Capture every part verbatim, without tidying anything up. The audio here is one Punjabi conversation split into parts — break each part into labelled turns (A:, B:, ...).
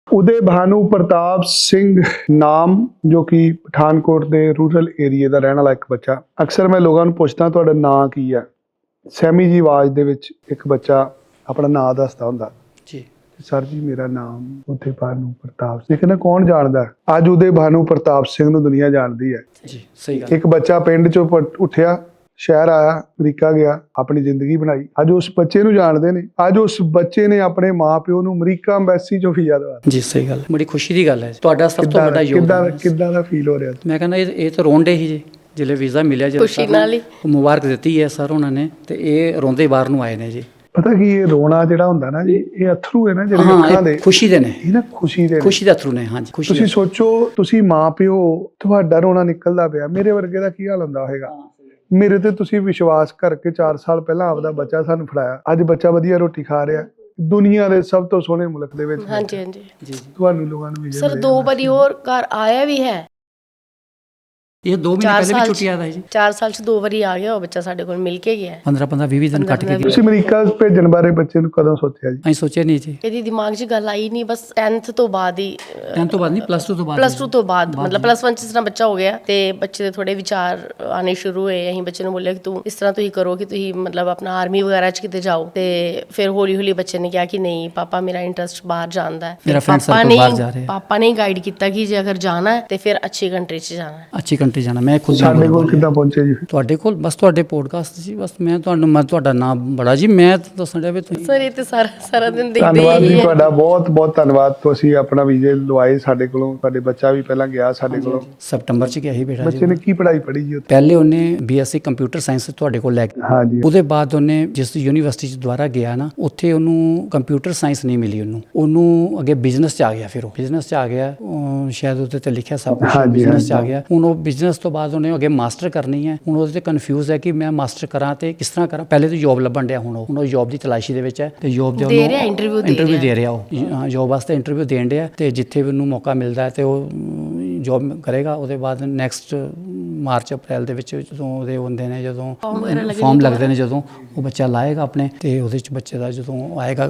A: उदय भानु प्रताप सिंह नाम जो कि पठानकोट के रूरल एरिए का रहने वाला एक बच्चा। अक्सर मैं लोगों को पूछता ਤੁਹਾਡਾ ਨਾਂ ਕੀ ਹੈ। ਸੈਮੀ ਜੀ ਆਵਾਜ਼ ਦੇ ਵਿੱਚ ਇੱਕ ਬੱਚਾ ਆਪਣਾ ਨਾਂ ਦੱਸਦਾ ਹੁੰਦਾ
B: ਜੀ।
A: ਸਰ ਜੀ ਮੇਰਾ ਨਾਮ ਉਦੈ ਭਾਨੂ ਪ੍ਰਤਾਪ ਸਿੰਘ। ਕਹਿੰਦਾ ਕੌਣ ਜਾਣਦਾ? ਅੱਜ ਉਦੈ ਭਾਨੂ ਪ੍ਰਤਾਪ ਸਿੰਘ ਨੂੰ ਦੁਨੀਆ ਜਾਣਦੀ ਹੈ
B: ਜੀ। ਸਹੀ ਗੱਲ।
A: ਇੱਕ ਬੱਚਾ ਪਿੰਡ ਚੋਂ ਉੱਠਿਆ, शहर आया, अमरीका गया, अपनी जिंदगी बनाई। अज उस बच्चे नूं जानदे ने। अज उस बच्चे ने अपने माँ प्यो नूं अमरीका एम्बेसी चों वीज़ा दवा।
B: जी सही गल, बड़ी खुशी की गल है। तुहाडा सब तो बड़ा योगदान
A: किद्दां दा फील हो रहा?
B: मैं कहना ये तो रोंडे ही जी जिले वीज़ा मिलिया,
C: खुशी नाल ही
B: मुबारक दी है सर उन्होंने ने, ते ये रोंदे बाहर नूं आए ने जी।
A: पता की ये रोना जिहड़ा हुंदा ना जी, ये अथरू है ना जिहड़े अखां दे,
B: खुशी दे ने,
A: ये ना खुशी दे
B: खुशी दे अथरू ने। हां जी, खुशी।
A: तुसीं सोचो, तुसीं माँ प्यो, तुहाडा रोना निकलदा पिया, मेरे वर्गे दा की हाल हुंदा होएगा। मेरे ते तुसीं विश्वास करके चार साल पहला आपदा बच्चा सानूं फड़ाया, अज बच्चा वधिया रोटी खा रहा, दुनिया दे सब तो सोहने मुल्क दे विच।
C: हाँ जी हाँ जी
B: जी।
A: तुहानूं लोकां नूं वीज़ा
C: सर दो बारी और घर आया भी है।
B: ये दो महीने पहले भी छुट्टी आया जी।
C: चार साल से दो बारी आ गया वो बच्चा साडे कोल मिल के गया है।
B: पंद्रह पंद्रह बीस दिन कट के गया।
A: तुसीं अमरीका भेजण बारे बच्चे नूं कदों सोचिया जी?
B: ਅਸੀਂ ਸੋਚਿਆ ਨਹੀਂ ਜੀ।
C: ਇਹਦੀ ਦਿਮਾਗ 'ਚ ਗੱਲ ਆਈ ਨਹੀਂ, ਬਸ tenth ਤੋਂ ਬਾਅਦ ਹੀ
B: tenth ਤੋਂ ਬਾਅਦ ਨਹੀਂ, plus two ਤੋਂ ਬਾਅਦ।
C: ਪਲੱਸ ਟੂ ਤੋਂ ਬਾਅਦ ਮਤਲਬ ਪਲੱਸ ਵਨ 'ਚ ਜਿਸ ਤਰ੍ਹਾਂ ਬੱਚਾ ਹੋ ਗਿਆ ਤੇ ਬੱਚੇ ਦੇ ਥੋੜੇ ਵਿਚਾਰ ਆਣੇ ਸ਼ੁਰੂ ਹੋਏ। ਅਸੀਂ ਬੱਚੇ ਨੂੰ ਬੋਲਿਆ ਕਿ ਤੂੰ ਇਸ ਤਰ੍ਹਾਂ ਤੁਸੀਂ ਕਰੋ ਕਿ ਤੁਸੀਂ ਮਤਲਬ ਆਪਣਾ ਆਰਮੀ ਵਗੈਰਾ 'ਚ ਕਿਤੇ ਜਾਓ। ਤੇ ਫਿਰ ਹੌਲੀ ਹੌਲੀ ਬੱਚੇ ਨੇ ਕਿਹਾ ਕਿ ਨਹੀਂ ਪਾਪਾ ਮੇਰਾ ਇੰਟਰਸਟ ਬਾਹਰ ਜਾਣ ਦਾ ਹੈ।
B: ਮੇਰਾ ਫਰੈਂਡ ਸਰਕਲ ਬਾਹਰ ਜਾ ਰਿਹਾ ਹੈ।
C: ਪਾਪਾ ਨੇ ਗਾਈਡ ਕੀਤਾ ਕਿ ਜੇ ਅਗਰ ਜਾਣਾ ਹੈ ਤੇ ਫਿਰ ਅੱਛੀ ਕੰਟਰੀ 'ਚ ਜਾਣਾ ਹੈ।
B: ਅੱਛੀ ਕੰਟਰੀ ਜਾਣਾ। ਮੈਂ ਖੁਦ
A: ਸਾਡੇ ਕੋਲ ਕਿੱਦਾਂ ਪਹੁੰਚੇ ਜੀ?
B: ਤੁਹਾਡੇ ਕੋਲ ਬਸ ਤੁਹਾਡੇ ਪੋਡਕਾਸਟ ਸੀ, ਬਸ ਮੈਂ ਤੁਹਾਨੂੰ ਮੈਂ ਤੁਹਾਡਾ ਨਾਮ ਬੜਾ ਜੀ, ਮੈਂ ਦੱਸਣ ਡਿਆ ਵੀ ਤੁਸੀਂ।
C: ਸਰ ਇਹ ਤੇ ਸਾਰਾ ਸਾਰਾ ਦਿਨ ਦੇਖਦੇ
A: ਧੰਨਵਾਦ
C: ਹੀ
A: ਜੀ
C: ਹੈ।
A: ਤੁਹਾਡਾ, ਬਹੁਤ ਬਹੁਤ ਧੰਨਵਾਦ। ਤੁਸੀਂ ਆਪਣਾ ਵੀਜ਼ੇ ਲਵਾਏ ਸਾਡੇ ਕੋਲੋਂ, ਤੁਹਾਡੇ ਬੱਚਾ ਵੀ ਪਹਿਲਾਂ ਗਿਆ ਸਾਡੇ ਕੋਲੋਂ।
B: ਸਤੰਬਰ ਚ ਗਿਆ ਸੀ ਬੇਟਾ ਜੀ।
A: ਬੱਚੇ ਨੇ ਕੀ ਪੜ੍ਹਾਈ ਪੜ੍ਹੀ ਜੀ ਉੱਥੇ?
B: ਪਹਿਲੇ ਉਹਨੇ ਬੀਐਸਸੀ ਕੰਪਿਊਟਰ ਸਾਇੰਸ ਤੁਹਾਡੇ ਕੋਲ ਲੈ ਕੇ,
A: ਹਾਂਜੀ।
B: ਉਹਦੇ ਬਾਅਦ ਉਹਨੇ ਜਿਸ ਯੂਨੀਵਰਸਿਟੀ ਚ ਦੁਬਾਰਾ ਗਿਆ ਨਾ, ਉੱਥੇ ਉਹਨੂੰ ਕੰਪਿਊਟਰ ਸਾਇੰਸ ਨਹੀਂ ਮਿਲੀ। ਉਹਨੂੰ ਉਹਨੂੰ ਅੱਗੇ ਬਿਜ਼ਨਸ ਚ ਆ ਗਿਆ। ਫਿਰ ਉਹ ਬਿਜ਼ਨਸ ਚ ਆ ਗਿਆ, ਸ਼ਾਇਦ ਉਹਦੇ ਤੇ ਲਿਖਿਆ ਸਭ ਕੁਝ ਬਿਜ਼ਨਸ ਚ ਆ ਗਿਆ। ਹੁਣ ਉਹ ਬਿਜ਼ਨਸ ਤੋਂ ਬਾਅਦ ਉਹਨੇ ਅੱਗੇ ਮਾਸਟਰ ਕਰਨੀ ਹੈ। ਹੁਣ ਉਹਦੇ ਤੇ ਕਨਫਿਊਜ਼ ਹੈ ਕਿ ਮੈਂ ਮਾਸਟਰ ਕਰਾਂ ਤੇ ਕਿਸ ਤਰ੍ਹਾਂ ਕਰਾਂ। ਪਹਿਲੇ ਤਾਂ ਜੋਬ ਲੱਭਣ ਡਿਆ, ਹੁਣ ਉਹ ਹੁਣ ਉਹ ਜੋਬ ਦੀ ਤਲਾਸ਼ੀ ਦੇ ਵਿੱਚ ਹੈ ਤੇ ਜੋਬ ਦੇ
C: ਦੇ ਰਿਹਾ, ਇੰਟਰਵਿਊ ਦੇ
B: ਇੰਟਰਵਿਊ ਦੇ ਰਿਹਾ। ਉਹ ਜੋਬ ਵਾਸਤੇ ਇੰਟਰਵਿਊ ਦੇਣ ਡਿਆ ਤੇ ਜਿੱਥੇ ਵੀ ਉਹਨੂੰ ਮੌਕਾ ਮਿਲਦਾ ਹੈ ਤੇ ਉਹ ਜੋਬ ਕਰੇਗਾ। ਉਹਦੇ ਬਾਅਦ ਨੈਕਸਟ ਮਾਰਚ ਅਪ੍ਰੈਲ ਦੇ ਵਿੱਚ ਜਦੋਂ ਉਹਦੇ ਹੁੰਦੇ ਨੇ, ਜਦੋਂ ਫਾਰਮ ਲੱਗਦੇ ਨੇ, ਜਦੋਂ ਉਹ ਬੱਚਾ ਲਾਏਗਾ ਆਪਣੇ ਤੇ ਉਹਦੇ 'ਚ ਬੱਚੇ ਦਾ ਜਦੋਂ ਆਏਗਾ,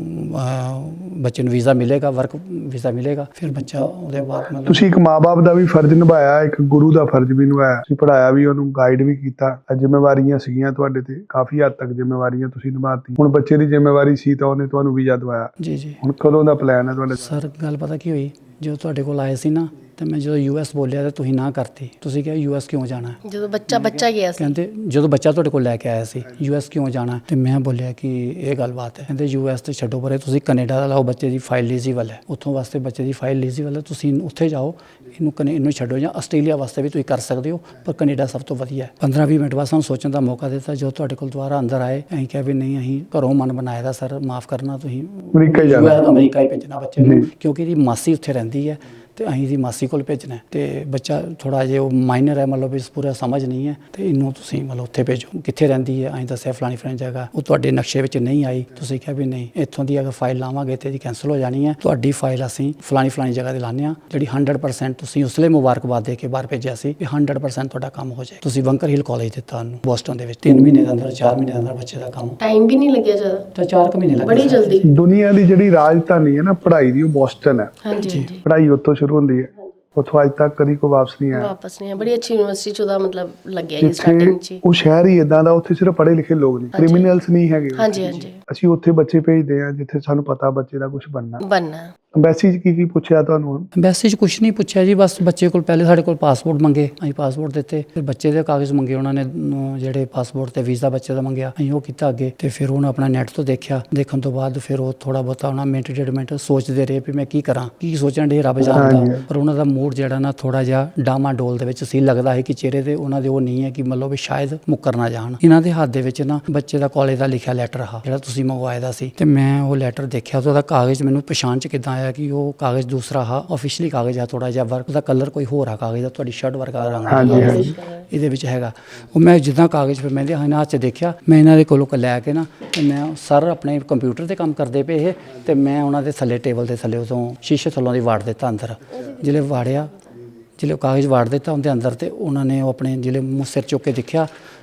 B: ਬੱਚੇ ਨੂੰ ਵੀਜ਼ਾ ਮਿਲੇਗਾ, ਵਰਕ ਵੀਜ਼ਾ ਮਿਲੇਗਾ, ਫਿਰ ਬੱਚਾ ਉਹਦੇ ਬਾਅਦ ਮਤਲਬ। ਤੁਸੀਂ ਇੱਕ ਮਾਂ-ਬਾਪ ਦਾ ਵੀ ਫਰਜ਼ ਨਿਭਾਇਆ, ਇੱਕ ਗੁਰੂ ਦਾ ਫਰਜ਼ ਵੀ ਨਿਭਾਇਆ। ਤੁਸੀਂ ਪੜ੍ਹਾਇਆ ਵੀ, ਉਹਨੂੰ ਗਾਈਡ ਵੀ ਕੀਤਾ। ਜ਼ਿੰਮੇਵਾਰੀਆਂ ਸੀਗੀਆਂ ਤੁਹਾਡੇ ਤੇ, ਕਾਫੀ ਹੱਦ ਤੱਕ ਜ਼ਿੰਮੇਵਾਰੀਆਂ ਤੁਸੀਂ ਨਿਭਾਤੀ। ਹੁਣ ਬੱਚੇ ਦੀ ਜ਼ਿੰਮੇਵਾਰੀ ਸੀ ਤਾਂ ਉਹਨੇ ਤੁਹਾਨੂੰ ਵੀਜ਼ਾ ਦਵਾਇਆ। ਜੀ ਜੀ। ਹੁਣ ਕਦੋਂ ਦਾ ਪਲਾਨ ਹੈ ਤੁਹਾਡਾ? ਸਰ ਗੱਲ ਪਤਾ ਕੀ ਹੋਈ, ਜਦੋਂ ਤੁਹਾਡੇ ਕੋਲ ਆਏ ਸੀ ਨਾ ਤੇ ਮੈਂ ਜਦੋਂ ਯੂ ਐਸ ਬੋਲਿਆ ਤਾਂ ਤੁਸੀਂ ਨਾ ਕਰਤੀ। ਤੁਸੀਂ ਕਿਹਾ ਯੂ ਐਸ ਕਿਉਂ ਜਾਣਾ?
C: ਜਦੋਂ ਬੱਚਾ ਬੱਚਾ ਗਿਆ ਸੀ,
B: ਕਹਿੰਦੇ ਜਦੋਂ ਬੱਚਾ ਤੁਹਾਡੇ ਕੋਲ ਲੈ ਕੇ ਆਇਆ ਸੀ, ਯੂ ਐਸ ਕਿਉਂ ਜਾਣਾ? ਤੇ ਮੈਂ ਬੋਲਿਆ ਕਿ ਇਹ ਗੱਲਬਾਤ ਹੈ। ਕਹਿੰਦੇ ਯੂ ਐਸ ਤੇ ਛੱਡੋ ਪਰੇ, ਤੁਸੀਂ ਕੈਨੇਡਾ ਦਾ ਲਾਓ, ਬੱਚੇ ਦੀ ਫਾਈਲ ਲੀਜ਼ੀਬਲ ਹੈ, ਉੱਥੋਂ ਵਾਸਤੇ ਬੱਚੇ ਦੀ ਫਾਈਲ ਲੀਜ਼ੀਬਲ ਹੈ, ਤੁਸੀਂ ਉੱਥੇ ਜਾਓ, ਇਹਨੂੰ ਕਨੇ ਇਹਨੂੰ ਛੱਡੋ। ਜਾਂ ਆਸਟ੍ਰੇਲੀਆ ਵਾਸਤੇ ਵੀ ਤੁਸੀਂ ਕਰ ਸਕਦੇ ਹੋ, ਪਰ ਕੈਨੇਡਾ ਸਭ ਤੋਂ ਵਧੀਆ ਹੈ। ਪੰਦਰਾਂ ਵੀਹ ਮਿੰਟ ਬਾਅਦ ਸਾਨੂੰ ਸੋਚਣ ਦਾ ਮੌਕਾ ਦਿੱਤਾ। ਜਦੋਂ ਤੁਹਾਡੇ ਕੋਲ ਦੁਬਾਰਾ ਅੰਦਰ ਆਏ, ਅਸੀਂ ਕਿਹਾ ਵੀ ਨਹੀਂ, ਅਸੀਂ ਘਰੋਂ ਮਨ ਬਣਾਇਆ ਦਾ ਸਰ, ਮਾਫ ਕਰਨਾ, ਤੁਸੀਂ ਅਮਰੀਕਾ ਹੀ ਜਾਣਾ, ਅਮਰੀਕਾ ਹੀ ਭੇਜਣਾ ਬੱਚੇ ਨੂੰ, ਕਿਉਂਕਿ ਇਹਦੀ ਮਾਸੀ ਉੱਥੇ ਰਹਿੰਦੀ ਹੈ ਤੇ ਅਸੀਂ ਇਹਦੀ ਮਾਸੀ ਕੋਲ ਭੇਜਣਾ ਤੇ ਬੱਚਾ ਥੋੜ੍ਹਾ ਜਿਹਾ ਉਹ ਮਾਈਨਰ ਹੈ, ਮਤਲਬ ਇਸ ਪੂਰਾ ਸਮਝ ਨਹੀਂ ਹੈ ਤੇ ਇਹਨੂੰ ਤੁਸੀਂ ਮਤਲਬ ਉੱਥੇ ਭੇਜੋ। ਕਿੱਥੇ ਰਹਿੰਦੀ ਹੈ? ਅਸੀਂ ਦੱਸਿਆ ਫਲਾਣੀ ਫਲਾਣੀ ਜਗ੍ਹਾ। ਉਹ ਤੁਹਾਡੇ ਨਕਸ਼ੇ ਵਿੱਚ ਨਹੀਂ ਆਈ, ਤੁਸੀਂ ਕਿਹਾ ਵੀ ਨਹੀਂ, ਇੱਥੋਂ ਦੀ ਅਗਰ ਫਾਈਲ ਲਾਵਾਂਗੇ ਤੇ ਇਹਦੀ ਕੈਂਸਲ ਹੋ ਜਾਣੀ ਹੈ। ਤੁਹਾਡੀ ਫਾਈਲ ਅਸੀਂ ਫਲਾਣੀ ਫਲਾਣੀ ਜਗ੍ਹਾ 'ਤੇ ਲਾਉਂਦੇ ਹਾਂ, ਜਿਹੜੀ ਹੰਡਰਡ ਪਰਸੈਂਟ ਤੁਸੀਂ ਉਸ ਲਈ ਮੁਬਾਰਕਬਾਦ ਦੇ ਕੇ ਬਾਹਰ ਭੇਜਿਆ ਸੀ ਵੀ ਹੰਡਰਡ ਪਰਸੈਂਟ ਤੁਹਾਡਾ ਕੰਮ ਹੋ ਜਾਏ। ਤੁਸੀਂ ਬੰਕਰ ਹਿਲ ਕਾਲਜ ਦਿੱਤਾ ਉਹਨੂੰ ਬੋਸਟਨ ਦੇ ਵਿੱਚ। ਤਿੰਨ ਮਹੀਨੇ ਦੇ ਅੰਦਰ, ਚਾਰ ਮਹੀਨੇ ਦੇ ਅੰਦਰ ਬੱਚੇ ਦਾ ਕੰਮ।
C: ਟਾਈਮ ਵੀ ਨਹੀਂ ਲੱਗਿਆ ਜ਼ਿਆਦਾ,
B: ਤਾਂ ਚਾਰ ਕੁ ਮਹੀਨੇ ਲੱਗੇ
C: ਬੜੀ ਜਲਦੀ।
A: ਦੁਨੀਆ ਦੀ ਜਿਹੜੀ ਰਾਜਧਾਨੀ ਹੈ ਨਾ ਪੜ੍ਹਾਈ ਦੀ, ਉਹ ਬੋਸਟਨ ਹੈ।
C: ਹਾਂਜੀ ਹਾਂਜੀ।
A: ਪੜ੍ਹਾਈ ਉੱਥੋਂ ਸ਼ੁਰੂ ਹੁੰਦੀ ਹੈ, ਉੱਥੋਂ ਅੱਜ ਤੱਕ ਕਦੀ ਕੋਈ ਵਾਪਸ ਨਹੀਂ ਆਇਆ।
C: ਵਾਪਸ ਨਹੀਂ ਆਇਆ। ਬੜੀ ਅੱਛੀ ਯੂਨੀਵਰਸਿਟੀ 'ਚ ਉਹਦਾ ਮਤਲਬ ਲੱਗਿਆ ਜੀ ਸਟਾਰਟਿੰਗ 'ਚ।
A: ਉਹ ਸ਼ਹਿਰ ਹੀ ਇਦਾਂ ਦਾ, ਉੱਥੇ ਸਿਰਫ ਪੜ੍ਹੇ ਲਿਖੇ ਲੋਕ ਨੇ, ਕ੍ਰਿਮੀਨਲਸ ਨਹੀਂ ਹੈਗੇ।
C: ਹਾਂਜੀ ਹਾਂਜੀ।
A: ਅਸੀਂ ਉੱਥੇ ਬੱਚੇ ਭੇਜਦੇ ਹਾਂ ਜਿੱਥੇ ਸਾਨੂੰ ਪਤਾ ਬੱਚੇ ਦਾ ਕੁਝ ਬਣਨਾ
C: ਬਣਨਾ।
A: ਅੰਬੈਸੀ 'ਚ ਕੀ ਕੀ ਪੁੱਛਿਆ ਤੁਹਾਨੂੰ?
B: ਅੰਬੈਸੀ 'ਚ ਕੁਛ ਨਹੀਂ ਪੁੱਛਿਆ ਜੀ, ਬਸ ਬੱਚੇ ਕੋਲ ਪਹਿਲੇ ਸਾਡੇ ਕੋਲ ਪਾਸਪੋਰਟ ਮੰਗੇ, ਅਸੀਂ ਪਾਸਪੋਰਟ ਦਿੱਤੇ। ਫਿਰ ਬੱਚੇ ਦੇ ਕਾਗਜ਼ ਮੰਗੇ ਉਹਨਾਂ ਨੇ, ਜਿਹੜੇ ਪਾਸਪੋਰਟ ਤੇ ਵੀਜ਼ਾ ਬੱਚੇ ਦਾ ਮੰਗਿਆ, ਅਸੀਂ ਉਹ ਕੀਤਾ ਅੱਗੇ। ਤੇ ਫਿਰ ਉਹਨੇ ਆਪਣਾ ਨੈਟ ਤੋਂ ਦੇਖਿਆ, ਦੇਖਣ ਤੋਂ ਬਾਅਦ ਫਿਰ ਉਹ ਥੋੜਾ ਬਹੁਤਾ ਉਹਨਾਂ ਮਿੰਟ ਡੇਢ ਮਿੰਟ ਸੋਚਦੇ ਰਹੇ ਵੀ ਮੈਂ ਕੀ ਕਰਾਂ, ਕੀ ਸੋਚਣ ਡੇ, ਰੱਬ ਜਾਣਦਾ। ਪਰ ਉਹਨਾਂ ਦਾ ਮੂਡ ਜਿਹੜਾ ਨਾ ਥੋੜਾ ਜਿਹਾ ਡਾਮਾ ਡੋਲ ਦੇ ਵਿੱਚ ਸੀ। ਲੱਗਦਾ ਹੈ ਕਿ ਚਿਹਰੇ ਤੇ ਉਹਨਾਂ ਦੇ ਉਹ ਨਹੀਂ ਹੈ ਕਿ ਮਤਲਬ ਵੀ ਸ਼ਾਇਦ ਮੁੱਕਰ ਨਾ ਜਾਣ। ਇਹਨਾਂ ਦੇ ਹੱਥ ਦੇ ਵਿੱਚ ਨਾ ਬੱਚੇ ਦਾ ਕਾਲਜ ਦਾ ਲਿਖਿਆ ਲੈਟਰ ਆ ਜਿਹੜਾ ਤੁਸੀਂ ਮੰਗਵਾਇਆ ਦਾ ਸੀ, ਤੇ ਮੈਂ ਉਹ ਲੈਟਰ ਦੇਖਿਆ ਤੇ ਉਹਦਾ ਕਾਗਜ਼ ਮੈਨੂੰ ਪਛਾਣ 'ਚ ਕਿੱਦਾਂ ਆਇਆ ਕਿ ਉਹ ਕਾਗਜ਼ ਦੂਸਰਾ ਹਾ, ਆਫੀਸ਼ੀਅਲੀ ਕਾਗਜ਼ ਆ, ਥੋੜਾ ਜਿਹਾ ਵਰਕ ਦਾ ਕਲਰ ਕੋਈ ਹੋਰ ਆ ਕਾਗਜ਼ ਦਾ, ਤੁਹਾਡੀ ਸ਼ਰਟ ਵਰਗਾ ਰੰਗ ਇਹਦੇ ਵਿੱਚ ਹੈਗਾ। ਉਹ ਮੈਂ ਜਿੱਦਾਂ ਕਾਗਜ਼ ਫਿਰ ਮੈਂ ਇਹਨਾਂ ਹੱਥ 'ਚ ਦੇਖਿਆ, ਮੈਂ ਇਹਨਾਂ ਦੇ ਕੋਲੋਂ ਲੈ ਕੇ ਨਾ ਤੇ ਮੈਂ ਸਰ ਆਪਣੇ ਕੰਪਿਊਟਰ 'ਤੇ ਕੰਮ ਕਰਦੇ ਪਏ ਇਹ, ਤੇ ਮੈਂ ਉਹਨਾਂ ਦੇ ਥੱਲੇ ਟੇਬਲ ਦੇ ਥੱਲੇ ਉਦੋਂ ਸ਼ੀਸ਼ੇ ਥੱਲੋਂ ਦੀ ਵਾੜ ਦਿੱਤਾ ਅੰਦਰ। ਜਿਹੜੇ ਵਾੜਿਆ, ਜਿਹੜੇ ਕਾਗਜ਼ ਵਾੜ ਦਿੱਤਾ ਉਹਦੇ ਅੰਦਰ, ਤੇ ਉਹਨਾਂ ਨੇ ਉਹ ਆਪਣੇ ਜਿਹੜੇ ਮੂੰਹ ਸਿਰ ਚੁੱਕ ਕੇ ਦੇਖਿਆ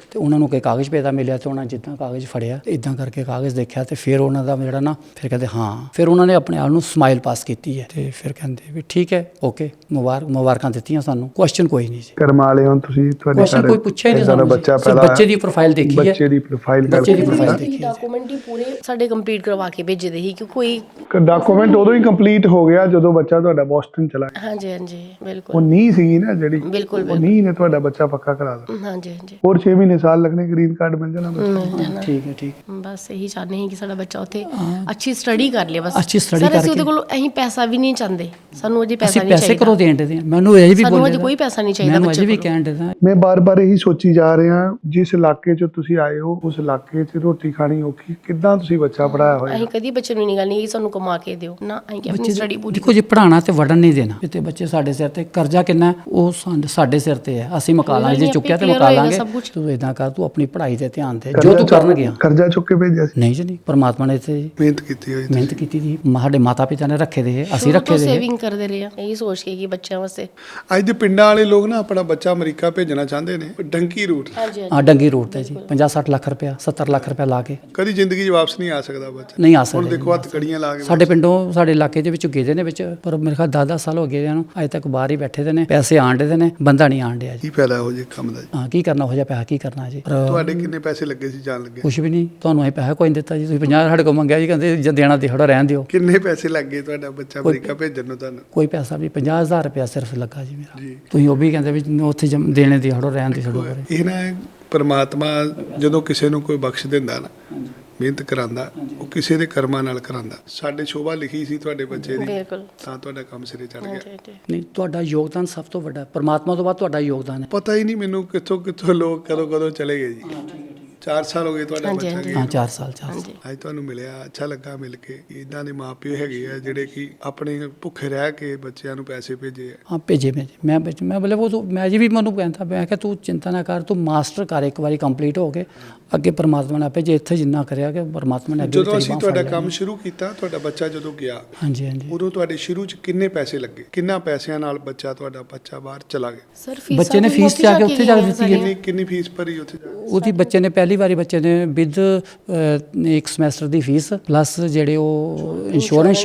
B: ਤੇ ਉਹਨਾਂ ਨੂੰ ਕੋਈ ਕਾਗਜ਼ ਪੇਦਾ ਮਿਲਿਆ ਤੇ ਉਹਨਾਂ ਜਿੱਦਾਂ ਕਾਗਜ਼ ਫੜਿਆ ਤੇ ਇਦਾਂ ਕਰਕੇ ਕਾਗਜ਼ ਦੇਖਿਆ ਤੇ ਫਿਰ ਉਹਨਾਂ ਦਾ ਜਿਹੜਾ ਨਾ ਫਿਰ ਕਹਿੰਦੇ ਹਾਂ ਫਿਰ ਉਹਨਾਂ ਨੇ ਆਪਣੇ ਆਪ ਨੂੰ ਸਮਾਈਲ ਪਾਸ ਕੀਤੀ ਹੈ ਤੇ ਫਿਰ ਕਹਿੰਦੇ ਵੀ ਠੀਕ ਹੈ ਓਕੇ ਮੁਬਾਰਕ ਮੁਬਾਰਕਾਂ ਦਿੱਤੀਆਂ ਸਾਨੂੰ ਕੁਐਸਚਨ ਕੋਈ ਨਹੀਂ ਜੀ
A: ਕਰਮ ਵਾਲੇ ਹੋ ਤੁਸੀਂ ਤੁਹਾਡੇ
B: ਕੁਐਸਚਨ ਕੋਈ ਪੁੱਛਿਆ ਹੀ ਨਹੀਂ ਸਾਨੂੰ
A: ਬੱਚਾ
B: ਸਿਰਫ
A: ਪਹਿਲਾਂ
B: ਬੱਚੇ ਦੀ ਪ੍ਰੋਫਾਈਲ ਦੇਖੀ ਹੈ
A: ਬੱਚੇ ਦੀ ਪ੍ਰੋਫਾਈਲ
B: ਬੱਚੇ ਦੀ
A: ਕਰਕੇ
B: ਪ੍ਰੋਫਾਈਲ ਦੇਖੀ ਹੈ
C: ਡਾਕੂਮੈਂਟ ਹੀ ਪੂਰੇ ਸਾਡੇ ਕੰਪਲੀਟ ਕਰਵਾ ਕੇ ਭੇਜੇ ਦੇ ਸੀ ਕਿ ਕੋਈ
A: ਡਾਕੂਮੈਂਟ ਉਦੋਂ ਹੀ ਕੰਪਲੀਟ ਹੋ ਗਿਆ ਜਦੋਂ ਬੱਚਾ ਤੁਹਾਡਾ ਬੋਸਟਨ ਚਲਾ ਗਿਆ।
C: ਹਾਂਜੀ ਹਾਂਜੀ
A: ਉਹ
C: ਬਿਲਕੁਲ
A: ਨਹੀਂ ਸੀਗੀ ਨਾ ਜਿਹੜੀ
C: ਬਿਲਕੁਲ
A: ਉਹ ਨਹੀਂ ਨੇ ਤੁਹਾਡਾ ਬੱਚਾ ਪੱਕਾ ਕਰਾ ਦਿੱਤਾ।
C: ਹਾਂਜੀ ਹਾਂਜੀ
A: ਹੋਰ ਛੇ ਮਹੀਨੇ ਸਾਲ ਲੱਗਣੇ ਗ੍ਰੀਨ ਕਾਰਡ ਮਿਲ ਜਾਣਾ ਬੱਚੇ ਨੂੰ।
C: ਮਿਲ ਜਾਣਾ।
B: ਠੀਕ ਹੈ ਠੀਕ
C: ਬਸ ਇਹੀ ਚਾਹੁੰਦੇ ਹਾਂ ਕਿ ਸਾਡਾ ਬੱਚਾ ਉੱਥੇ ਅੱਛੀ ਸਟੱਡੀ ਕਰ ਲੇ ਬਸ
B: ਅੱਛੀ study
C: ਸਰ ਅਸੀਂ
B: ਕਰਕੇ।
C: ਉਹਦੇ ਕੋਲ ਅਸੀਂ ਪੈਸਾ ਵੀ ਨਹੀਂ ਚਾਹੁੰਦੇ ਸਾਨੂੰ ਅਜੇ ਪੈਸਾ
B: ਅਸੀਂ
C: ਨਹੀਂ
B: ਪੈਸੇ
C: ਚਾਹੀਦਾ
B: ਕਰੋ ਦੇਣ ਦੇ ਮੈਨੂੰ ਅਜੇ ਵੀ
C: ਸਾਨੂੰ
B: ਬੋਲੇ
C: ਅਜੇ ਕੋਈ ਪੈਸਾ ਨਹੀਂ ਚਾਹੀਦਾ
B: ਮੈਨੂੰ ਅਜੇ
C: ਬੱਚੇ
B: ਵੀ
C: ਕੋਲ
B: ਕਹਿਣ ਦੇ
A: ਮੈਂ ਬਾਰ-ਬਾਰ ਇਹੀ ਸੋਚੀ ਜਾ ਰਿਹਾ ਜਿਸ ਇਲਾਕੇ 'ਚ ਤੁਸੀਂ ਆਏ ਹੋ ਉਸ ਇਲਾਕੇ 'ਚ ਰੋਟੀ ਖਾਣੀ ਔਖੀ ਕਿੱਦਾਂ ਤੁਸੀਂ ਬੱਚਾ ਪੜਾਇਆ ਹੋਇਆ।
C: ਅਸੀਂ ਕਦੀ ਬੱਚੇ ਨੂੰ ਨਹੀਂ ਗੱਲ ਨਹੀਂ ਕਿ ਸਾਨੂੰ ਕਮਾ ਕੇ ਦਿਓ ਨਾ ਅਸੀਂ ਕਿ ਆਪਣੀ ਸਟੱਡੀ ਪੂਰੀ
B: ਦੇਖੋ ਜੀ ਪੜਾਉਣਾ ਤੇ ਵੜਨ ਨਹੀਂ ਦੇਣਾ ਤੇ ਬੱਚੇ ਸਾਡੇ ਸਿਰ ਤੇ ਕਰਜ਼ਾ ਕਿੰਨਾ ਉਹ ਸਾਡ- ਸਾਡੇ ਸਿਰ ਤੇ ਹੈ ਅਸੀਂ ਮਕਾ ਲਾਂਗੇ ਜੇ ਚੁੱਕਿਆ ਤੇ ਮਕਾ ਲਾਂਗੇ ਤੂੰ ਇਦਾਂ ਕਰ ਤੂੰ ਆਪਣੀ ਪੜ੍ਹਾਈ ਤੇ ਧਿਆਨ ਦੇ ਜੋ ਤੂੰ ਕਰਨ ਗਿਆ
A: ਕਰਜ਼ਾ ਚੁੱਕ ਕੇ ਭੇਜਿਆ ਸੀ
B: ਨਹੀਂ ਜੀ ਨਹੀਂ ਪਰਮਾਤਮਾ ਨੇ ਇੱਥੇ
A: ਮਿਹਨਤ ਕੀਤੀ ਹੋਈ
B: ਮਿਹਨਤ ਕੀਤੀ ਦੀ ਸਾਡੇ ਮਾਤਾ ਪਿਤਾ ਨੇ ਰੱਖੇ ਦੇ ਅਸੀਂ ਰੱਖੇ ਦੇ
C: ਸੇਵਿੰਗ ਕਰਦੇ ਰਹੇ ਆ ਇਹੀ ਸੋਚ ਕੇ ਕਿ ਬੱਚਿਆਂ ਵਾਸਤੇ
A: ਅੱਜ ਦੇ ਪਿੰਡਾਂ ਵਾਲੇ ਲੋਕ ਨਾ ਆਪਣਾ ਬੱਚਾ ਅਮਰੀਕਾ ਭੇਜਣਾ ਚਾਹੁੰਦੇ ਨੇ ਡੰਕੀ ਰੂਟ
C: ਹਾਂਜੀ
B: ਆ ਡੰਗੀ ਰੋਡ ਤੇ ਜੀ ਪੰਜਾਹ ਸੱਠ ਲੱਖ ਰੁਪਇਆ ਸੱਤਰ ਲੱਖ ਰੁਪਇਆ ਲਾ ਕੇ
A: ਕਦੀ ਜ਼ਿੰਦਗੀ 'ਚ ਵਾਪਸ ਨਹੀਂ ਆ ਸਕਦਾ ਬੱਚਾ।
B: ਨਹੀਂ ਆ
A: ਹੁਣ
B: ਸਕਦੇ
A: ਦੇਖੋ ਹੱਥ ਕੜੀਆਂ ਲਾ ਕੇ
B: ਸਾਡੇ ਪਿੰਡੋਂ ਸਾਡੇ ਇਲਾਕੇ ਦੇ ਵਿੱਚ ਗਏ ਦੇ ਨੇ ਵਿੱਚ ਪਰ ਮੇਰੇ ਖਿਆਲ ਦਸ ਦਸ ਸਾਲ ਹੋ ਗਏ ਨੂੰ ਅਜੇ ਤੱਕ ਬਾਹਰ ਹੀ ਬੈਠੇ ਦੇ ਨੇ ਪੈਸੇ ਆਣ ਦੇ ਨੇ ਬੰਦਾ ਨਹੀਂ ਆਣ ਡਿਆ ਜੀ
A: ਕੀ ਫਾਇਦਾ ਹੋ ਜੇ ਕੰਮ ਦਾ ਜੀ।
B: ਹਾਂ ਕੀ ਕਰਨਾ ਹੋ ਜਾ ਪੈਸਾ ਕੀ ਕਰਨਾ ਜੀ ਪਰ
A: ਤੁਹਾਡੇ ਕਿੰਨੇ ਪੈਸੇ ਲੱਗੇ ਸੀ ਜਾਣ ਲੱਗੇ
B: ਕੁਝ ਵੀ ਨਹੀਂ ਤੁਹਾਨੂੰ ਅਸੀਂ ਪੈਸਾ ਕੋਈ ਨਹੀਂ ਦਿੱਤਾ ਜੀ ਤੁਸੀਂ ਪੰਜਾਹ ਸਾਡੇ ਕੋਲ ਮੰਗਿਆ ਜੀ ਕਹਿੰਦੇ ਜੇ ਦੇਣਾ ਦੇ ਥੋੜਾ ਰਹਿਣ ਦਿਓ
A: ਕਿੰਨੇ ਪੈਸੇ ਲੱਗੇ ਤੁਹਾਡਾ ਬੱਚਾ ਅਮਰੀਕਾ ਭੇਜਣ ਨੂੰ ਤੁਹਾਨੂੰ।
B: ਕੋਈ ਪੈਸਾ ਵੀ ਪੰਜਾਹ ਹਜ਼ਾਰ ਰੁਪਇਆ ਸਿਰਫ ਲੱਗਾ ਜੀ ਮੇਰਾ
A: ਜੀ।
B: ਤੁਸੀਂ ਉਹ ਵੀ ਕਹਿੰਦੇ ਵੀ ਉੱਥੇ ਜਮ- ਦੇਣੇ ਦੀ ਥੋੜਾ ਰਹਿਣ ਦੀ ਥੋੜਾ
A: ਇਹ ਨਾ ਪਰਮਾਤਮਾ ਜਦੋਂ ਕਿਸੇ ਨੂੰ ਕੋਈ ਬਖਸ਼ ਦਿੰਦਾ ਨਾ ਮਿਹਨਤ ਕਰਾਂਦਾ ਉਹ ਕਿਸੇ ਦੇ ਕਰਮਾਂ ਨਾਲ ਕਰਾਂਦਾ। ਸਾਡੇ ਸ਼ੋਭਾ ਲਿਖੀ ਸੀ ਤੁਹਾਡੇ ਬੱਚੇ ਦੀ
C: ਬਿਲਕੁਲ
A: ਤਾਂ ਤੁਹਾਡਾ ਕੰਮ ਸਿਰੇ ਚੜ ਗਿਆ।
C: ਹਾਂਜੀ ਹਾਂਜੀ
B: ਨਹੀਂ ਤੁਹਾਡਾ ਯੋਗਦਾਨ ਸਭ ਤੋਂ ਵੱਡਾ ਪਰਮਾਤਮਾ ਤੋਂ ਬਾਅਦ ਤੁਹਾਡਾ ਯੋਗਦਾਨ ਹੈ
A: ਪਤਾ ਹੀ ਨਹੀਂ ਮੈਨੂੰ ਕਿੱਥੋਂ ਕਿੱਥੋਂ ਲੋਕ ਕਦੋਂ ਕਦੋਂ ਚਲੇ ਗਏ ਜੀ। ਚਾਰ ਸਾਲ ਹੋ ਗਏ ਤੁਹਾਡਾ
C: ਹਾਂਜੀ,
A: ਬੱਚਾ
C: ਹਾਂਜੀ।
A: ਗਿਆ
B: ਹਾਂ ਚਾਰ ਸਾਲ ਚਾਰ ਸਾਲ
C: ਹਾਂਜੀ
A: ਅੱਜ ਤੁਹਾਨੂੰ ਮਿਲਿਆ ਅੱਛਾ ਲੱਗਾ ਮਿਲ ਕੇ। ਇਦਾਂ ਦੇ ਮਾਪਿਓ ਹੈਗੇ ਆ ਜਿਹੜੇ ਕਿ ਆਪਣੇ ਭੁੱਖੇ ਰਹਿ ਕੇ ਬੱਚਿਆਂ ਨੂੰ ਪੈਸੇ ਭੇਜੇ ਆ।
B: ਹਾਂ ਭੇਜੇ ਭੇਜੇ ਮੈਂ ਭੇਜ- ਮੈਂ ਬੋਲੇ ਉਹ ਤੂੰ ਮੈਂ ਜੀ ਵੀ ਮੈਨੂੰ ਕਹਿੰਦਾ ਮੈਂ ਕਿਹਾ ਤੂੰ ਚਿੰਤਾ ਨਾ ਕਰ ਤੂੰ ਮਾਸਟਰ ਕਰ ਇੱਕ ਵਾਰੀ ਕੰਪਲੀਟ ਹੋ ਕੇ ਅੱਗੇ ਪਰਮਾਤਮਾ ਨੇ ਆਪੇ ਜੇ ਇੱਥੇ ਜਿੰਨਾ ਕਰਿਆ ਕਿ ਪਰਮਾਤਮਾ ਨੇ ਅੱਗੇ ਵੀ
A: ਜਦੋਂ
B: ਤੇਰੀ
A: ਅਸੀਂ
B: ਬਾਂਹ
A: ਤੁਹਾਡਾ
B: ਫੜ
A: ਕੰਮ
B: ਲੈਣੀ।
A: ਸ਼ੁਰੂ ਕੀਤਾ ਤੁਹਾਡਾ ਬੱਚਾ ਜਦੋਂ ਗਿਆ
B: ਹਾਂਜੀ ਹਾਂਜੀ
A: ਉਦੋਂ ਤੁਹਾਡੇ ਸ਼ੁਰੂ 'ਚ ਕਿੰਨੇ ਪੈਸੇ ਲੱਗੇ ਕਿੰਨਾ ਪੈਸਿਆਂ ਨਾਲ ਬੱਚਾ ਤੁਹਾਡਾ ਬੱਚਾ ਬਾਹਰ ਚਲਾ ਗਿਆ।
C: ਸਰ ਫੀਸਾਂ
B: ਬੱਚੇ ਨੇ
C: ਤਾਂ
B: ਫੀਸ ਜਾ ਕੇ ਉੱਥੇ ਜਾ ਕੇ
C: ਗਈਆਂ
B: ਦਿੱਤੀ ਹੈ।
A: ਕਿੰਨੀ ਕਿੰਨੀ ਫੀਸ ਭਰੀ ਉੱਥੇ ਜਾ ਕੇ?
B: ਉਹਦੀ ਬੱਚੇ ਨੇ ਪਹਿਲੀ ਵਾਰੀ ਬੱਚੇ ਨੇ ਵਿਦ ਇੱਕ ਸਮੈਸਟਰ ਦੀ ਫੀਸ ਪਲੱਸ ਜਿਹੜੇ ਉਹ ਇੰਸ਼ੋਰੈਂਸ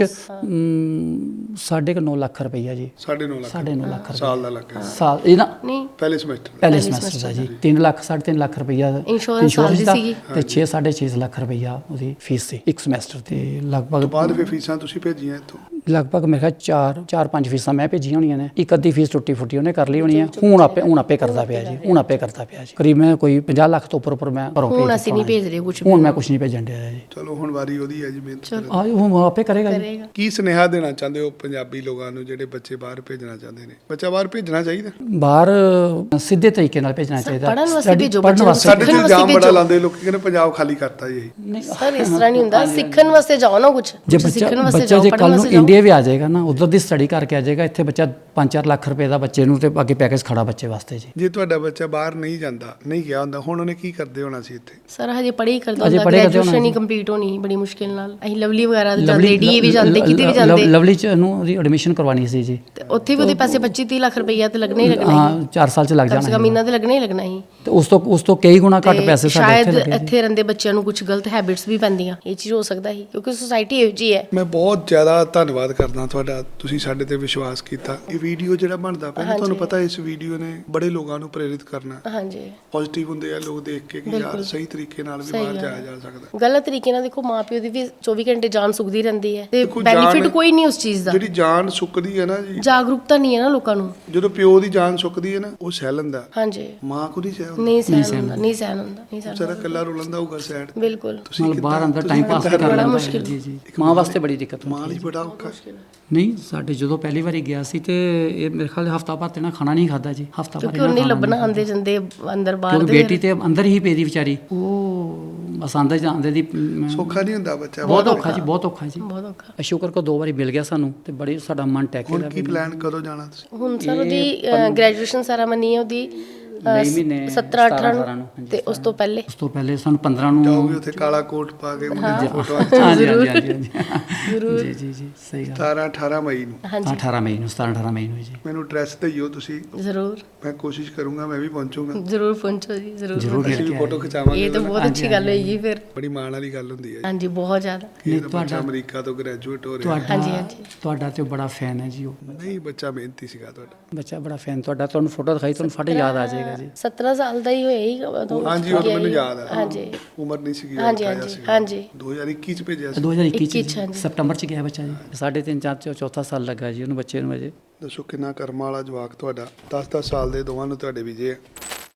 B: ਸਾਢੇ ਕੁ ਨੌ ਲੱਖ ਰੁਪਈਆ ਜੀ
A: ਸਾਢੇ ਨੌ ਲੱਖ
B: ਸਾਢੇ ਨੌ ਲੱਖ ਰੁਪਈਆ
A: ਸਾਲ ਦਾ ਲੱਗਾ
B: ਸਾਲ ਇਹ ਨਾ
C: ਨਹੀਂ
A: ਪਹਿਲੇ ਸਮੈਸਟਰ
B: ਪਹਿਲੇ ਸਮੈਸਟਰ ਦਾ ਜੀ ਤਿੰਨ ਲੱਖ ਸਾਢੇ ਤਿੰਨ ਲੱਖ ਰੁਪਈਆ
C: Insurance ਸਾਲ ਦੀ
B: ਦਾ
C: ਸੀਗੀ।
B: ਤੇ ਛੇ ਸਾਢੇ ਛੇ ਲੱਖ ਰੁਪਈਆ ਉਹਦੀ ਫੀਸ ਸੀ ਇੱਕ ਸਮੈਸਟਰ ਤੇ ਲਗਭਗ
A: ਬਾਅਦ ਫਿਰ ਫੀਸਾਂ ਤੁਸੀਂ ਭੇਜੀਆਂ ਇੱਥੋਂ।
B: ਲਗਭਗ ਮੇਰੇ ਖਿਆਲ ਚਾਰ ਚਾਰ ਪੰਜ ਫੀਸਾਂ ਮੈਂ ਭੇਜੀਆਂ ਹੋਣੀਆਂ ਨੇ ਇੱਕ ਅੱਧੀ ਫੀਸ ਟੁੱਟੀ ਫੁੱਟੀ ਉਹਨੇ ਕਰ ਲਈ ਹੋਣੀ ਹੈ ਹੁਣ ਆਪੇ ਹੁਣ ਆਪੇ ਕਰਦਾ ਪਿਆ ਜੀ ਹੁਣ ਆਪੇ ਕਰਦਾ ਪਿਆ ਜੀ ਕਰੀਬ ਮੈਂ ਕੋਈ ਪੰਜਾਹ ਲੱਖ ਤੋਂ ਉੱਪਰ ਉੱਪਰ ਮੈਂ ਘਰੋਂ ਭੇਜ
C: ਹੁਣ ਅਸੀਂ ਨਹੀਂ
B: ਦਿੱਤਾ
C: ਭੇਜ ਰਹੇ ਕੁਝ
B: ਹੁਣ ਮੈਂ ਕੁਝ ਨਹੀਂ ਭੇਜਣ ਡਿਆ ਜੀ
A: ਚਲੋ ਹੁਣ ਵਾਰੀ ਉਹਦੀ ਹੈ ਜੀ ਮਿਹਨਤ ਕਰਨ ਦੀ।
B: ਆ ਹੁਣ ਆਪੇ ਕਰੇਗਾ ਜੀ
C: ਕਰੇਗਾ
A: ਕੀ ਸੁਨੇਹਾ ਦੇਣਾ ਚਾਹੁੰਦੇ ਹੋ ਪੰਜਾਬੀ ਲੋਕਾਂ ਨੂੰ ਜਿਹੜੇ ਬੱਚੇ ਬਾਹਰ ਭੇਜਣਾ ਚਾਹੁੰਦੇ ਨੇ। ਬੱਚਾ ਬਾਹਰ ਭੇਜਣਾ ਚਾਹੀਦਾ।
B: ਬਾਹਰ ਸਿੱਧੇ ਤਰੀਕੇ ਨਾਲ ਭੇਜਣਾ ਚਾਹੀਦਾ
C: ਪੜ੍ਹਨ ਵਾਸਤੇ
B: Study-
C: ਭੇਜੋ
B: ਪੜ੍ਹਨ
C: ਬੱਚੇ ਨੂੰ।
B: ਵਾਸਤੇ
A: ਸਾਡੇ ਤੇ
C: ਸਿੱਖਣ
A: ਇਲਜ਼ਾਮ
C: ਵਾਸਤੇ
A: ਬੜਾ
C: ਭੇਜੋ।
A: ਲਾਉਂਦੇ ਲੋਕੀ ਕਹਿੰਦੇ ਪੰਜਾਬ ਖਾਲੀ ਕਰਤਾ ਜੀ ਇਹ।
B: ਨਹੀਂ
C: ਸਰ ਇਸ ਤਰ੍ਹਾਂ ਨਹੀਂ ਹੁੰਦਾ ਸਿੱਖਣ ਵਾਸਤੇ ਜਾਓ ਨਾ ਕੁਝ
B: ਜੇ ਬੱਚਾ
C: ਸਿੱਖਣ ਵਾਸਤੇ
B: ਬੱਚਾ
C: ਜਾਓ
B: ਜੇ
C: ਪੜ੍ਹਨ
B: ਕੱਲ ਨੂੰ
C: ਵਾਸਤੇ ਜਾਓ
B: ਇੰਡੀਆ ਵੀ ਆ ਜਾਏਗਾ ਨਾ ਉਧਰ ਦੀ ਸਟੱਡੀ ਕਰਕੇ ਆ ਜਾਏਗਾ ਇੱਥੇ ਬੱਚਾ ਪੰਜ ਚਾਰ ਲੱਖ ਰੁਪਏ ਦਾ ਬੱਚੇ ਨੂੰ ਤੇ ਅੱਗੇ ਪੈਕੇਜ ਖੜਾ ਬੱਚੇ ਵਾਸਤੇ ਜੀ
A: ਜੇ ਤੁਹਾਡਾ ਬੱਚਾ ਬਾਹਰ ਨਹੀਂ ਜਾਂਦਾ ਨਹੀਂ ਗਿਆ ਹੁੰਦਾ ਹੁਣ ਉਹਨੇ ਕੀ ਕਰਦੇ ਹੋਣਾ ਸੀ ਇੱਥੇ।
C: ਸਰ ਹਜੇ ਪੜ੍ਹਾਈ ਕਰਦਾ
B: ਹਜੇ
C: ਹੁੰਦਾ
B: ਪੜ੍ਹਾਈ ਕਰਦੇ
C: ਗ੍ਰੈਜੂਏਸ਼ਨ
B: ਹੋਣਾ
C: ਹੀ ਕੰਪਲੀਟ ਹੋਣੀ ਸੀ ਬੜੀ ਮੁਸ਼ਕਿਲ ਨਾਲ ਅਸੀਂ ਲਵਲੀ ਵਗੈਰਾ ਤੇ ਜਾਂਦੇ ਡੀਏ ਵੀ ਜਾਂਦੇ ਕਿਤੇ ਵੀ
B: ਲਵ-
C: ਜਾਂਦੇ
B: ਲਵਲੀ ਚ ਨੂੰ ਉਹਦੀ ਐਡਮਿਸ਼ਨ ਕਰਵਾਉਣੀ ਸੀ ਜੀ
C: ਤੇ ਉੱਥੇ ਵੀ ਉਹਦੇ ਪੈਸੇ ਪੱਚੀ ਤੀਹ ਲੱਖ ਰੁਪਈਆ ਤੇ ਲੱਗਣਾ ਹੀ ਲੱਗਣਾ
B: ਹਾਂ
C: ਸੀ
B: ਚਾਰ ਸਾਲ ਚ ਲੱਗ
C: ਕਮ ਸੇ
B: ਜਾਣਾ
C: ਕਮ ਇਹਨਾਂ ਤੇ ਲੱਗਣਾ ਹੀ ਲੱਗਣਾ ਸੀ
B: ਤੇ ਉਸ ਤੋਂ ਉਸ ਤੋਂ ਕਈ ਗੁਣਾ ਘੱਟ
C: ਤੇ
B: ਪੈਸੇ ਸਾਡੇ
C: ਸ਼ਾਇਦ
B: ਇੱਥੇ ਲੱਗੇ ਜੀ
C: ਇੱਥੇ ਰਹਿੰਦੇ ਬੱਚਿਆਂ ਨੂੰ ਕੁਝ ਗਲਤ ਹੈਬਿਟਸ ਵੀ ਪੈਂਦੀਆਂ ਇਹ ਚੀਜ਼ ਹੋ ਸਕਦਾ ਸੀ ਕਿਉਂਕਿ ਸੋਸਾਇਟੀ ਇਹੋ ਜਿਹੀ ਹੈ।
A: ਮੈਂ ਬਹੁਤ ਜ਼ਿਆਦਾ ਧੰਨਵਾਦ ਕਰਦਾ ਤੁਹਾਡਾ ਤੁਸੀਂ ਸਾਡੇ ਤੇ ਵਿਸ਼ਵਾਸ ਕੀਤਾ। ਇਹ ਵੀਡੀਓ ਜਿਹੜਾ ਬਣਦਾ ਪਿਆ ਨਾ ਤੁਹਾਨੂੰ ਪਤਾ ਇਸ ਵੀਡੀਓ ਨੇ ਬੜੇ ਲੋਕਾਂ ਨੂੰ ਪ੍ਰੇਰਿਤ ਕਰਨਾ।
C: ਹਾਂਜੀ
A: ਪੋਜ਼ਿਟਿਵ ਹੁੰਦੇ ਆ ਲੋਕ ਦੇਖ ਕੇ ਕਿ ਯਾਰ ਸਹੀ ਤਰੀਕੇ ਨਾਲ ਵੀ ਬਾਹਰ ਜਾਇਆ ਜਾ ਸਕਦਾ।
C: ਗਲਤ ਤਰੀਕੇ ਨਾਲ ਦੇਖੋ ਮਾਪਿਓ ਦੀ ਵੀ ਚੌਵੀ ਘੰਟੇ ਜਾਨ ਸੁੱਕਦੀ ਰਹਿੰਦੀ ਹੈ ਤੇ
A: ਦੇਖੋ, ਜਾਨ-
C: ਬੈਨੀਫਿਟ ਕੋਈ ਨਹੀਂ ਉਸ ਚੀਜ਼ ਦਾ
A: ਜਿਹੜੀ ਜਾਨ ਸੁੱਕਦੀ ਹੈ ਨਾ ਜੀ
C: ਜਾਗਰੂਕਤਾ ਨਹੀਂ ਹੈ ਨਾ ਲੋਕਾਂ ਨੂੰ।
A: ਜਦੋਂ ਪਿਓ ਦੀ ਜਾਨ ਸੁੱਕਦੀ ਹੈ ਨਾ ਉਹ ਸਹਿ ਲੈਂਦਾ
C: ਹਾਂਜੀ
A: ਮਾਂ ਕੋ ਨਹੀਂ ਸਹਿ ਹੁੰਦਾ।
C: ਨਹੀਂ ਸਹਿਣ ਹੁੰਦਾ ਨਹੀਂ ਸਹਿਣ ਹੁੰਦਾ ਨਹੀਂ ਸਹਿਣ
A: ਵਿਚਾਰਾ ਇਕੱਲਾ ਰੋਲੰਦਾ ਹੋਊਗਾ ਸਾਈਡ।
C: ਬਿਲਕੁਲ
B: ਮਤਲਬ ਬਾਹਰ ਅੰਦਰ ਟਾਈਮ ਪਾਸ ਕਰ ਲੈਂਦਾ ਹੈ ਜੀ ਜੀ ਮਾਂ ਵਾਸਤੇ ਬੜੀ ਦਿੱਕਤ
A: ਮਾਂ
B: ਹੁੰਦੀ
A: ਲਈ ਬੜਾ ਔਖਾ
B: ਨਹੀਂ ਸਾਡੇ ਜਦੋਂ ਪਹਿਲੀ ਵਾਰੀ ਗਿਆ ਸੀ ਤੇ ਇਹ ਮੇਰੇ ਖਿਆਲ ਹਫਤਾ ਭਰ ਤੇ ਨਾ ਖਾਣਾ ਨਹੀਂ ਖਾਦਾ ਜੀ ਹਫਤਾ ਭਰ
C: ਕਿਉਂਕਿ ਉਹਨੇ ਲੱਭਣਾ ਆਂਦੇ ਜਾਂਦੇ ਅੰਦਰ ਬਾਹਰ
B: ਕਿਉਂਕਿ
C: ਦੇ
B: ਬੇਟੀ ਤੇ ਅੰਦਰ ਹੀ ਪਈ ਦੀ ਵਿਚਾਰੀ ਉਹ ਬਸ ਆਂਦੇ ਜਾਂਦੇ ਦੀ ਮ,
A: ਸੌਖਾ ਨਹੀਂ ਹੁੰਦਾ ਬੱਚਾ।
B: ਬਹੁਤ ਔਖਾ ਜੀ ਬਹੁਤ ਔਖਾ ਜੀ
C: ਬਹੁਤ ਔਖਾ।
B: ਸ਼ੁਕਰ ਕੋ ਦੋ ਵਾਰੀ ਮਿਲ ਗਿਆ ਸਾਨੂੰ ਤੇ ਬੜੀ ਸਾਡਾ ਮਨ ਟੈਕੇ
A: ਹੁਣ
B: ਦਾ
A: ਕੀ ਪਲਾਨ ਕਦੋਂ ਜਾਣਾ ਤੁਸੀਂ?
C: ਹੁਣ ਸਰ ਉਹਦੀ ਗ੍ਰੈਜੂਏਸ਼ਨ ਸੈਰਾਮਨੀ ਹੈ ਉਹਦੀ
B: ਮਈ ਮਹੀਨੇ
C: ਸਤਰਾਂ ਅਠਾਰਾਂ
B: ਨੂੰ
C: ਨੂੰ
B: ਹਾਂਜੀ,
C: ਤੇ ਉਸ ਤੋਂ ਪਹਿਲੇ
B: ਉਸ ਤੋਂ ਪਹਿਲੇ ਸਾਨੂੰ ਪੰਦਰਾਂ ਨੂੰ
A: ਜਾਓਗੇ ਉੱਥੇ ਕਾਲਾ ਕੋਟ ਪਾ ਕੇ ਮੁੰਡੇ ਦੀ ਫੋਟੋ
B: ਹਾਂਜੀ ਹਾਂਜੀ ਹਾਂਜੀ ਹਾਂਜੀ
C: ਜ਼ਰੂਰ
B: ਜੀ ਜੀ ਜੀ ਸਹੀ ਗੱਲ
A: ਸਤਾਰਾਂ ਅਠਾਰਾਂ ਮਈ ਨੂੰ
C: ਹਾਂਜੀ
B: ਅਠਾਰਾਂ ਮਈ ਨੂੰ ਸਤਾਰਾਂ ਅਠਾਰਾਂ ਮਈ ਨੂੰ ਜੀ
A: ਮੈਨੂੰ ਐਡਰੈਸ ਦਈਓ ਤੁਸੀਂ,
C: ਜ਼ਰੂਰ
A: ਮੈਂ ਕੋਸ਼ਿਸ਼ ਕਰੂੰਗਾ ਮੈਂ ਵੀ ਪਹੁੰਚੂਗਾ,
C: ਜ਼ਰੂਰ ਪਹੁੰਚੋ ਜੀ ਜ਼ਰੂਰ
B: ਜ਼ਰੂਰ
A: ਅਸੀਂ ਵੀ ਫੋਟੋ ਖਿਚਾਵਾਂਗੇ।
C: ਇਹ ਤਾਂ ਬਹੁਤ ਅੱਛੀ ਗੱਲ ਹੋਈ ਫਿਰ
A: ਬੜੀ ਮਾਣ ਵਾਲੀ ਗੱਲ ਹੁੰਦੀ ਹੈ
C: ਹਾਂਜੀ ਬਹੁਤ ਜ਼ਿਆਦਾ
A: ਕਿ
B: ਨਹੀਂ,
A: ਇਹਦਾ ਬੱਚਾ
B: ਤੁਹਾਡਾ-
A: ਅਮਰੀਕਾ ਤੋਂ ਗ੍ਰੈਜੂਏਟ ਹੋ ਰਿਹਾ।
B: ਤੁਹਾਡਾ
C: ਹਾਂਜੀ, ਹਾਂਜੀ।
B: ਤੁਹਾਡਾ ਤੇ ਬੜਾ ਫੈਨ ਹੈ ਜੀ ਉਹ
A: ਨਹੀਂ ਬੱਚਾ ਮਿਹਨਤੀ ਸੀਗਾ ਤੁਹਾਡਾ।
B: ਬੱਚਾ ਬੜਾ ਫੈਨ ਤੁਹਾਡਾ, ਤੁਹਾਨੂੰ ਫੋਟੋ ਦਿਖਾਈ ਤੁਹਾਨੂੰ ਫਟ ਯਾਦ ਆ ਜਾਏਗਾ ਜੀ।
C: ਸਤਰਾਂ ਸਾਲ ਦਾ ਹੀ ਹੋਇਆ ਹੀ ਉਦੋਂ
A: ਹਾਂਜੀ ਉਹ ਤਾਂ ਮੈਨੂੰ ਯਾਦ ਹੈ,
C: ਹਾਂਜੀ
A: ਉਮਰ ਨਹੀਂ ਸੀਗੀ,
C: ਹਾਂਜੀ,
A: ਅਠਾਰਾਂ
C: ਹਾਂਜੀ,
A: ਸੀਗਾ।
C: ਹਾਂਜੀ।
A: ਦੋ ਹਜ਼ਾਰ ਇੱਕੀ ਚ ਭੇਜਿਆ ਸੀ।
B: ਦੋ ਹਜ਼ਾਰ ਇੱਕੀ
C: ਇੱਕੀ ਚ,
B: ਚ
C: ਹਾਂਜੀ।
B: ਸਤੰਬਰ ਚ ਗਿਆ ਬੱਚਾ ਜੀ, ਸਾਢੇ ਤਿੰਨ ਚਾਰ ਚ ਚੌਥਾ ਸਾਲ ਲੱਗਾ ਜੀ ਉਹਨੂੰ ਬੱਚੇ ਨੂੰ ਅਜੇ।
A: ਦੱਸੋ ਕਿੰਨਾ ਕਰਮਾਂ ਵਾਲਾ ਜਵਾਕ ਤੁਹਾਡਾ, ਦਸ ਦਸ ਸਾਲ ਦੇ ਦੋਵਾਂ ਨੂੰ ਤੁਹਾਡੇ ਵੀਜੇ ਆ।